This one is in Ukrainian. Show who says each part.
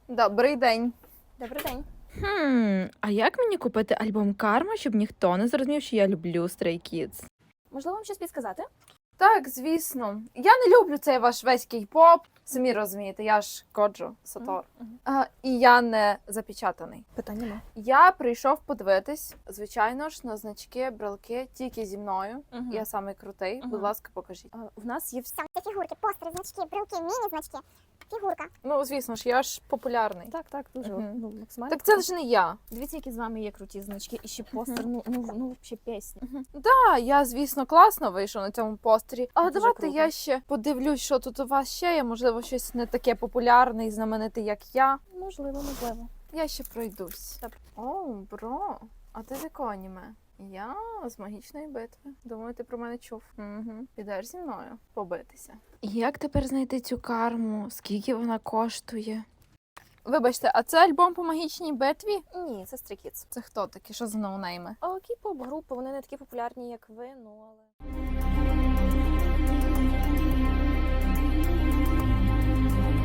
Speaker 1: Добрий день.
Speaker 2: Добрий день.
Speaker 3: А як мені купити альбом Карма, щоб ніхто не зрозумів, що я люблю Stray Kids?
Speaker 2: Можливо, вам щось підсказати?
Speaker 1: Так, звісно. Я не люблю цей ваш весь кей-поп. Самі розумієте, я ж Коджо Сатор. І я не запечатаний.
Speaker 2: Питань нема.
Speaker 1: Я прийшов подивитись, звичайно ж, на значки, брелки тільки зі мною. Я самий крутий. Будь ласка, покажіть.
Speaker 2: В нас є
Speaker 4: Все, це фігурки, постери, значки, брелки, міні-значки, фігурка.
Speaker 1: Ну, звісно ж, я ж популярний.
Speaker 2: Так, дуже максимально.
Speaker 1: Так це ж не я.
Speaker 2: Дивіться, які з вами є круті значки, і ще постер, ну, ще пісня.
Speaker 1: Я, звісно, класно вийшов на цьому постері. Але
Speaker 2: Дуже
Speaker 1: давайте
Speaker 2: круто.
Speaker 1: я ще подивлюсь, що тут у вас ще є. Можливо, щось не таке популярне і знамените, як я.
Speaker 2: Можливо.
Speaker 1: Я ще пройдусь.
Speaker 2: Добре.
Speaker 1: О, бро, а ти з якого аніме? Я з магічної битви. Думаю, ти про мене чув. Підеш зі мною побитися.
Speaker 3: Як тепер знайти цю карму? Скільки вона коштує?
Speaker 1: Вибачте, а це альбом по магічній битві?
Speaker 2: Ні, це Stray Kids.
Speaker 1: Це хто такі? Що за ноунейми?
Speaker 2: Кей-поп групи, вони не такі популярні, як ви, ну але...